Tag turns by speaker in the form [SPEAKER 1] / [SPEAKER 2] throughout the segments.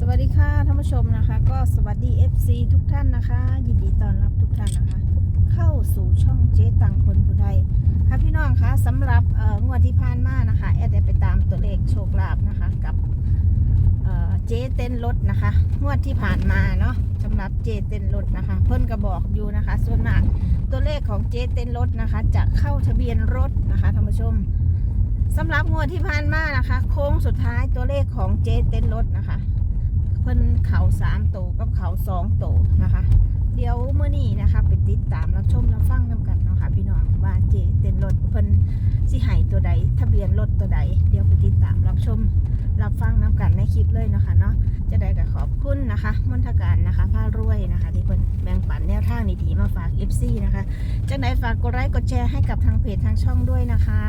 [SPEAKER 1] วัสดีค่ะท่านผู้ชมนะคะก็สวัสดี FC ทุกท่านนะคะยินดีต้อนรับทุกท่านนะคะเข้าสู่ช่องเจ๊ตังคนผู้ใดค่ะพี่น้องคะสำหรับงวดที่ผ่านมานะคะแอดได้ไปตามตัวเลขโชคลาภนะคะกับเจ๊เต้นรถนะคะงวดที่ผ่านมาเนาะสำหรับเจ๊เต้นรถนะคะเพิ่นก็บอกอยู่นะคะส่วนมากตัวเลขของเจ๊เต้นรถนะคะจะเข้าทะเบียนรถนะคะท่านผู้ชมสำหรับงวดที่ผ่านมานะคะโค้งสุดท้ายตัวเลขของเจ๊เต้นรถนะคะเพิ่นเข่า3 ตัวกับเข่า2 ตัวนะคะเดี๋ยวเมื่อนี้นะคะไปติดตามรับชมรับฟังนำกันเนาะค่ะพี่น้องว่าเจ๊เต้นรถเพิ่นสิให้ตัวใดทะเบียนรถตัวใดเดี๋ยวไปติดตามรับชมรับฟังนำกันในคลิปเลยเนาะค่ะเนาะจะได้ก็ขอบคุณนะคะมนทการนะคะผ้ารวยนะคะที่เพิ่นแบ่งปันแนวทางดีๆมาฝาก FC นะคะจังไดฝากกดไลค์กดแชร์ให้กับทางเพจทางช่องด้วยนะคะ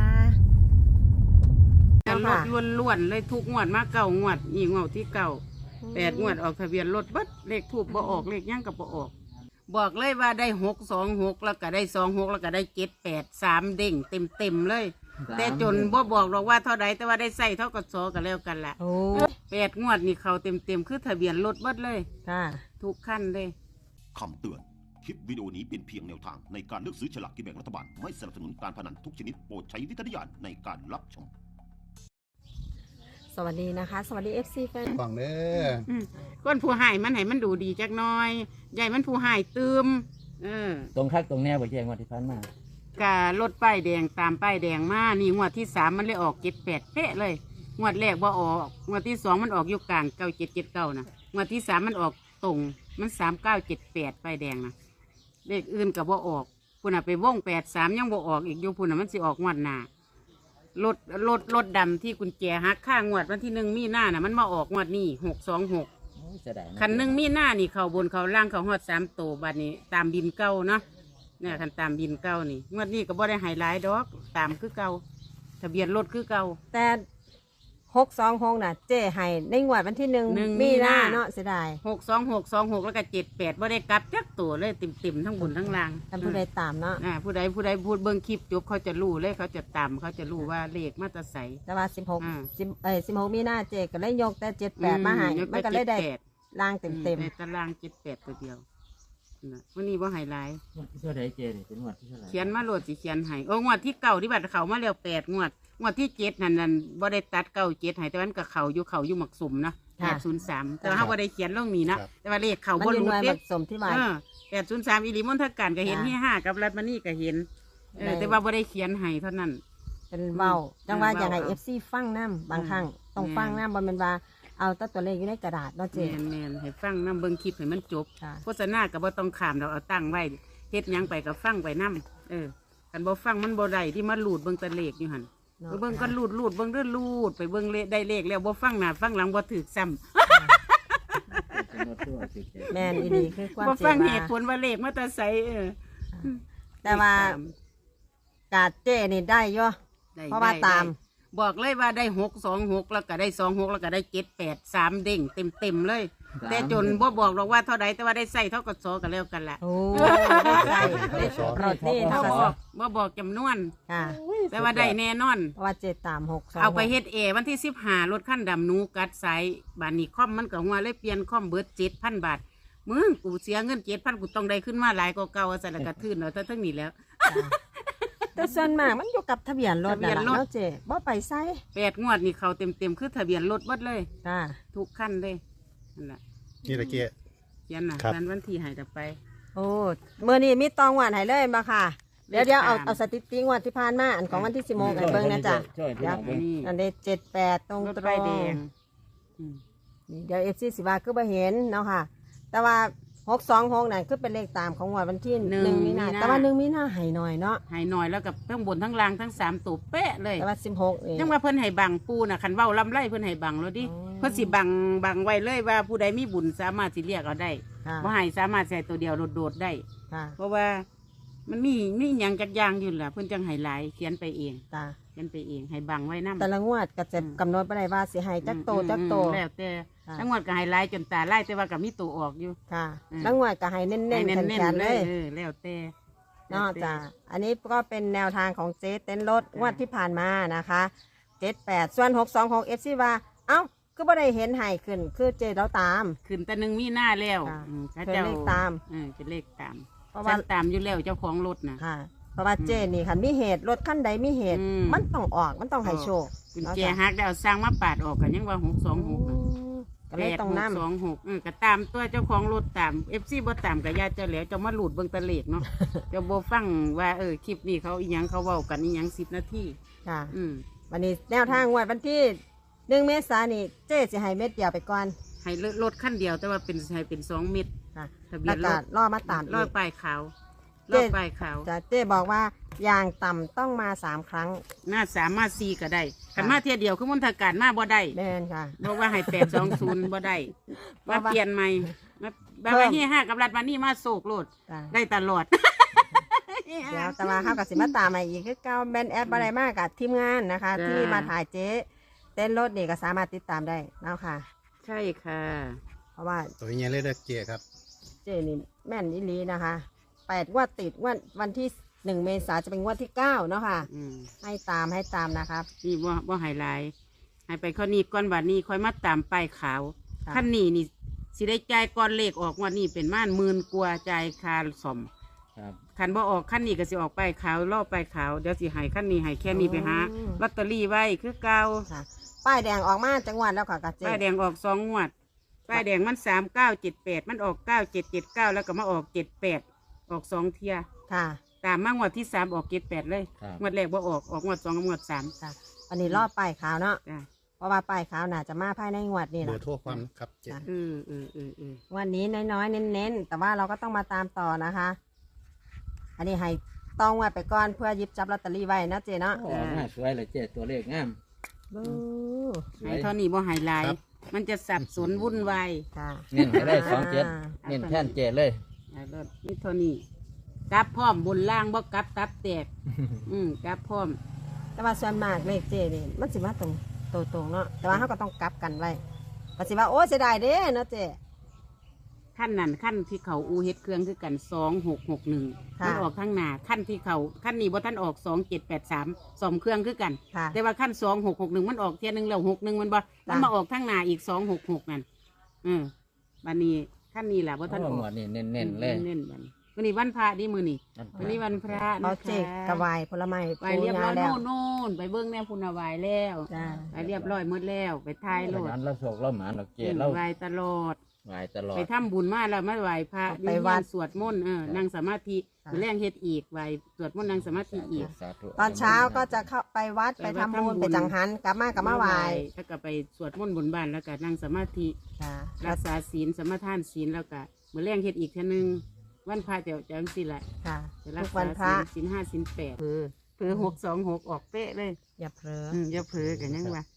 [SPEAKER 2] รถล้วนๆเลยทุกงวดมาเก่างวดอีงวดที่เก่า8 งวดออกทะเบียนรถเบิดเลขทูบบ่ออกเลขย่างกับบ่ออกบอกเลยว่าได้626แล้วก็ได้26แล้วก็ได้783เด้งเต็มเลยแต่จนบ่บอกหรอกว่าเท่าใดแต่ว่าได้ใส่เท่ากับซอกันแล้วกันละ8 งวดนี่เขาเต็มคือทะเบียนรถเบิดเลยทุกขั้นเลย
[SPEAKER 3] คำเตือนคลิปวิดีโอนี้เป็นเพียงแนวทางในการเลือกซื้อฉลากกินแบ่งรัฐบาลไม่สนับสนุนการพนันทุกชนิดโปรดใช้วิจารณญาณในการรับชม
[SPEAKER 1] สวัสดีนะคะสวัสดี FC แฟน
[SPEAKER 4] ฟังเด้อ
[SPEAKER 2] ก้นผู้หายมันให้มันดูดีจักน้อยใหญ่มันผู้หายตืม
[SPEAKER 5] ตรงคักตรงแนวบ่แจ้งว่าที่ผ่านมาก
[SPEAKER 2] ะรถป้ายแดงตามป้ายแดงมานี่งวดที่3มันเลยออก78เป๊ะเลยงวดแรกบ่ออกงวดที่2มันออกอยู่กลาง9779นะงวดที่3มันออกตรงมัน3978ป้ายแดงนะเลขอื่นก็บ่ออกพุ่นน่ะไปวง83ยังบ่ออกอีกอยู่พุ่นน่ะมันสิออกงวดหน้ารถดำที่กุญแจหักข้างวดวันที่1 มีนาน่ะมันมาออกงวดนี้626คัน1 มีนานี่เขาบนเขาล่างเขาฮอด3 ตัวบัดนี้ตามบินเก่าเนาะเนี่ยคันตามบินเก่านี่งวดนี้ก็บ่ได้ไฮไลท์ดอกตามคือเก่าทะเบียนรถคือเก่า
[SPEAKER 1] แต่626น่ะเจ๊ให้ในงวดวันที่1 มีนาเนาะเสียดาย
[SPEAKER 2] 62626แล้วก็78บ่ได้กลับจักตัวเลยเต็มทั้งบนทั้งล่าง
[SPEAKER 1] ท่านผู้ใดตามเนาะ
[SPEAKER 2] ผู้ใดพูดเบิ่งคลิปจบเขาจะรู้เลยเขาจะตามเขาจะรู้ว่าเลขมาตราไส
[SPEAKER 1] แต่ว่า16 มีนาเจ๊ก็เลยยกแต่78มาให้มันก็เลยได้ล่างเต็ม
[SPEAKER 2] ในตาราง78ตัวเดียววันนี้ว่าไฮไลท์
[SPEAKER 5] เท่าไรเจนี่เป็นงวดที่เท่าไร
[SPEAKER 2] เขียนมาโหลดสิเขียนให้งวดที่เก่าที่บัตรเขามาแล้ว8 งวดที่7นั่นบ่ได้ตัด97ให้แต่วันกับเขาอยู่หมักสุ่มนะ803แต่ว่าเขาบ่ได้เขียนเรื่องนี้นะแต่ว่าเลขเขาบ่รู้
[SPEAKER 1] เด็กสมที่ว่า
[SPEAKER 2] 803อีหลีมนทการก็เห็นที่5กับรัฐมณีก็เห็นแต่ว่าบ่ได้เขียนให้เท่านั้น
[SPEAKER 1] เป็นเว้าจังว่าอย่างไร FC ฟังน้ำบางครั้งต้องฟังน้ำบ่แม่นว่าเอาตัวเลขอยู่ในกระดาษเนาะเจ๊
[SPEAKER 2] แม่นให้ฟังน้ำเบิ่งคลิปให้มันจบโฆษณาก็บ่ต้องขามเราเอาตั้งไว้เฮ็ดหยังไปก็ฟังไปน้ำกันบ่ฟังมันบ่ได้ที่มาลูดเบิ่งตะเลขอยู่หั่นเบิ่งก็ลูดเบิ่งเด้อลูดไปเบิ่งเลขได้เลขแล้วบ่ฟังหน้าฟังหลังบ่ถูกซ้
[SPEAKER 1] ำแม่นอีดีคือความ
[SPEAKER 2] บ่ฟังเหตุผลว่าเลขมาแต่ไส
[SPEAKER 1] แต่ว่ากาดเจ๊นี่ได้ย่อเพราะว่าตาม
[SPEAKER 2] บอกเลยว่าได้626แล้วก็ได้26แล้วก็ได้783เด้งเต็มเลยแต่จนบ่บอกหรอกว่าเท่าใดแต่ว่าได้ใส่เท่ากับซอกันแล้วกันละ
[SPEAKER 1] ได้ใส่ได้รถนี่เท่ากับ
[SPEAKER 2] บ่บอกจำนวนแต่ว่าได้แน่นอน
[SPEAKER 1] ว่า7 3 6 2
[SPEAKER 2] เอาไปเฮ็ดวันที่15รถขั้นดำนูกัดสายบานนี้คอมมันก็หัวเลยเปลี่ยนคอมเบิด 7,000 บาทมึงกูเสียเงิน 7,000 กูต้องได้ขึ้นมาหลายกว่าเก่าซะแล้วก็ทื่นเอาทั้งนี้แล้ว
[SPEAKER 1] แต่ส่วนมากมันอยู่กับทะเบียนรถนั่นแหละเนาะเจ๊บ่ไปไส
[SPEAKER 2] 8 งวดนี่เขาเต็มคือทะเบียนรถเบิดเลยทุกขั้นเลยนั่นแหละ
[SPEAKER 4] นี่ตะเกีย
[SPEAKER 2] เขียนน่ะวันที่ให้ต่อไป
[SPEAKER 1] โอ้เมื่อนี้มีตองหวานให้เลยมาค่ะเดี๋ยวเอาสถิติงวดที่ผ่านมาอันของวันที่16ให้เบิ่งนะจ๊ะอันนี้78ตรง
[SPEAKER 2] ๆแดง
[SPEAKER 1] เดี๋ยว FC สิว่าคือบ่เห็นเนาะค่ะแต่ว่า626นั่นคือเป็นเลขตามของวันที่1 มีนาแต่ว่า1 มีนาให้หน่อยเนาะ
[SPEAKER 2] ให้หน่อยแล้วกับทั้งบนทั้งล่างทั้ง3ตัวเป๊ะเลย
[SPEAKER 1] แต่ว่า16
[SPEAKER 2] ยังว่าเพิ่นให้บังปูน่ะคันเว้าลำไรเพิ่นให้บังแล้วดิเพิ่นสิบังไว้เลยว่าผู้ใดมีบุญสามารถสิเรียกเอาได้บ่ให้สามารถใส่ตัวเดียวโดดๆได้เพราะว่ามันมีหยังจักอย่างอยู่ล่ะเพิ่นจังให้หลายเขียนไปเองเขียนไปเองให้บังไว้นำ
[SPEAKER 1] แต่ละงวดก็จะกำหนดบ่ได้ว่าสิให้จักโต
[SPEAKER 2] แล้วแต่ทั้งงวดก็ให้หลายจนตาลายแต่ว่าก็มีตัวออกอยู่
[SPEAKER 1] ค่ะทั้งงวดก็ให้เน้นๆแข็งๆเลย
[SPEAKER 2] แล้วแต่
[SPEAKER 1] เนาะจ้ะอันนี้ก็เป็นแนวทางของเจ๊เต้นรถงวดที่ผ่านมานะคะ78ส่วน626 FC ว่าเอ้าก็บ่ได้เห็นให้ขึ้นคือเจเราตาม
[SPEAKER 2] ขึ้นแต่หนึ่งมีหน้าแล้ว
[SPEAKER 1] ค่ะ
[SPEAKER 2] เขา
[SPEAKER 1] เพิ่น
[SPEAKER 2] เจ้า
[SPEAKER 1] เลขตาม
[SPEAKER 2] เป็นเลขตาม
[SPEAKER 1] เพราะ
[SPEAKER 2] ฉั
[SPEAKER 1] ว่า
[SPEAKER 2] นตามอยู่แล้วเจ้าของรถนะ
[SPEAKER 1] ค่ะ เพราะว่าเจนี่คันมีเหตุรถคันใดมีเหตุ
[SPEAKER 2] อืม
[SPEAKER 1] มันต้องออกมันต้องให้โชค
[SPEAKER 2] กุญแจหักได้เอาสร้างมาปาดออกกันยังว่า626
[SPEAKER 1] ก็เลยต้องนำ
[SPEAKER 2] 8 6 2 6ก็ตามตัวเจ้าของรถตาม FC บ่ตามก็อย่าเจ้าแล้วเจ้ามาหลุดเบิ่งแตะเลขเนาะ เจ้าบ่ฟังว่าคลิปนี้เขาอีหยังเขาเว้ากันอีหยัง10 นาที
[SPEAKER 1] ค่ะ
[SPEAKER 2] อืม
[SPEAKER 1] วันนี้แนวทางงวดวันที่1 เมษายนนี่เจ๊สิให้เม็ดเดียวไปก่อน
[SPEAKER 2] ให้รถคันเดียวแต่ว่าเป็นให้เป็น2 เม็ด
[SPEAKER 1] ค่ะ
[SPEAKER 2] ทะเบี
[SPEAKER 1] แล้
[SPEAKER 2] ยว นร
[SPEAKER 1] ก็
[SPEAKER 2] ถ
[SPEAKER 1] รอมาตาม
[SPEAKER 2] ร
[SPEAKER 1] อี
[SPEAKER 2] อย
[SPEAKER 1] ก
[SPEAKER 2] ป้ายขาว
[SPEAKER 1] เจ๊
[SPEAKER 2] รอป้ายขาว
[SPEAKER 1] เจ๊บอกว่าอย่างต่ำต้องมา3 ครั้ง
[SPEAKER 2] หน้า3มา4ก็ได้คันมาเที่ยเดียวคือมนทการมาบ่ได้
[SPEAKER 1] แม่นค่ะ
[SPEAKER 2] บอกว่าให้820บ่ได้
[SPEAKER 1] เพ
[SPEAKER 2] มา
[SPEAKER 1] ราะว่า
[SPEAKER 2] เปลี่ยนใหม่มาแบบ
[SPEAKER 1] เพิ่
[SPEAKER 2] ว่าม 5กับรัฐมานี่มาโศกโลด
[SPEAKER 1] จ้ะ
[SPEAKER 2] ได้ตลอด
[SPEAKER 1] เดี๋ยวแต่ว่าเฮากับสิมาตามมาอีกคือเก่าแบนแอปอะไรมากกับทีมงานนะคะ
[SPEAKER 2] จ้า
[SPEAKER 1] ที่มาถ่ายเจ๊เต้นรถนี่ก็สามารถติดตามได้แล้วค่ะ
[SPEAKER 2] ใช่ค่ะ
[SPEAKER 1] เพราะว่า
[SPEAKER 4] ตัวนี้เลยเด้อเจ๊ครับ
[SPEAKER 1] เจ๊นี่แม่นอีหลีนะคะ8 งวดติดงวดวันที่1 เมษายนจะเป็นงวดที่9เนาะค่ะ
[SPEAKER 2] อืม
[SPEAKER 1] ให้ตามนะครับ
[SPEAKER 2] นี่บ่ไฮไลท์ให้ไปข้อนี้ก่อนบัดนี้ค่อยมาตามป้ายขาว
[SPEAKER 1] ค่ะ
[SPEAKER 2] ขั้นนี้นี่สิได้จ่ายก่อนเลขออกงวันนี้เป็นม่าน10,000กว่าจ่ายค่าซ่อม
[SPEAKER 5] ครับ
[SPEAKER 2] คันบ่ออกขั้นนี้ก็สิออกป้ายขาวรอบป้ายขาวเดี๋ยวสิให้ขั้นนี้ให้แค่นี้ไปหาลอตเตอรี่ไว้คือเก่า
[SPEAKER 1] ค่ะป้ายแดงออกมาจังหวัดแล้วค่ะกับเจ๊
[SPEAKER 2] ป้ายแดงออก2 งวดป้ายแดงมัน3978มันออก9779แล้วก็มาออก78ออก2เที่ย
[SPEAKER 1] ค่ะ
[SPEAKER 2] ตามมางวดที่3ออก78เลย
[SPEAKER 5] ครับ
[SPEAKER 2] งวดแรกบ่ออกงวด2กับงวด3
[SPEAKER 1] ค่ะอันนี้รอบป้ายขาวเนาะ
[SPEAKER 2] จ้ะ
[SPEAKER 1] เพราะว่าป้ายขาวน่าจะมาภายในงวดนี่แห
[SPEAKER 4] เบอ
[SPEAKER 1] ละ
[SPEAKER 4] ร์โทรความครับเจ๊
[SPEAKER 1] จ้ะ วันนี้น้อยๆเน้นๆแต่ว่าเราก็ต้องมาตามต่อนะคะ อันนี้ให้ต้องไว้ไปก่อนเพื่อหยิบจับลอตเตอรี่ไว้นะเจ๊เนาะ
[SPEAKER 5] ออกมาสวยเลยเจ๊ตัวเลขงาม
[SPEAKER 1] บู๊
[SPEAKER 5] สว
[SPEAKER 2] ให้
[SPEAKER 5] ย
[SPEAKER 2] เท่านี้บ่ไฮไลท์มันจะสับสนวุ่นวาย
[SPEAKER 1] ค่ะ
[SPEAKER 5] เน้นให้ได้27เน้นแท่นเจ๊เลย
[SPEAKER 2] รถนี่เท่านี้กลับพร้อมบนล่างบ่กลับตับแตก กลับพร้อม
[SPEAKER 1] แต่ว่าส่วนมากเลขเจ๊นี่มันสิมาตรงเนาะแต่ว่าเขาก็ต้องกลับกันไว้ก็สิว่าโอ้เสียดายเด้เนาะเจ๊
[SPEAKER 2] ขั้นนั้นขั้นที่เขาอูเฮ็ดเครื่องคือกัน2661
[SPEAKER 1] ค่ะ
[SPEAKER 2] มันออกข้างหน้าขั้นที่เขาขั้นนี้บ่ท่านออก2783สมเครื่องคือกัน
[SPEAKER 1] ค่ะ
[SPEAKER 2] แต่ว่าขั้น2661มันออกเที่ยหนึงแล้ว61มันบ่มันมาออกข้างหน้าอีก266นั่นบัดนี้ขั้นนี้ล่ะบ่ท่านอ
[SPEAKER 5] เอา
[SPEAKER 2] อก
[SPEAKER 5] หมดนี่เน้นๆเลย
[SPEAKER 2] เน้นๆบัดนี้วันนี้วันพระดิมื้อนี้วันนี้วันพระ
[SPEAKER 1] เขา
[SPEAKER 2] นะคะ
[SPEAKER 1] เจ๊กระวายผลไม้
[SPEAKER 2] ไปเรียบร้อย
[SPEAKER 1] แล้ว
[SPEAKER 2] โน่นไปเบิ้งแน่พุนาวายแล้ว
[SPEAKER 1] จ้า
[SPEAKER 2] ไปเรียบร้อยหมดแล้วไปทายโลด
[SPEAKER 5] นั้นเราโศกเราหมาเราเจ๊เรา
[SPEAKER 2] ไหวตลอด
[SPEAKER 5] ไหวตลอด
[SPEAKER 2] ไปทำบุญมาแล้วมาไหวพระ
[SPEAKER 1] ไปวัด
[SPEAKER 2] สวดมนต์นั่งสมาธิ
[SPEAKER 1] ค่ะ
[SPEAKER 2] แรงเฮ็ดอีกไหวสวดมนต์นั่งสมาธิอีก
[SPEAKER 5] สาธุ
[SPEAKER 1] ตอนเช้าก็จะเข้าไปวัดไปทำบุญไปจังหันกลับมากับมาไหวาย
[SPEAKER 2] แล้วก็ไปสวดมนต์บนบ้านแล้วก็นั่งสมาธิ
[SPEAKER 1] ค่ะ
[SPEAKER 2] รักษาศีลสมาทานศีลแล้วก็มื้อแรงเฮ็ดอีกเท่านึงวันพระเดี๋ยวจังสิแหละ
[SPEAKER 1] ค่ะ
[SPEAKER 2] จะรั
[SPEAKER 1] ทุ
[SPEAKER 2] ก
[SPEAKER 1] กวั
[SPEAKER 2] ษาน
[SPEAKER 1] พระ
[SPEAKER 2] ศีล5ศีล8
[SPEAKER 1] คือ
[SPEAKER 2] คือ626ออกเป๊ะเลย
[SPEAKER 1] อย่าเผลอ
[SPEAKER 2] อย่าเผลอกันยังวะ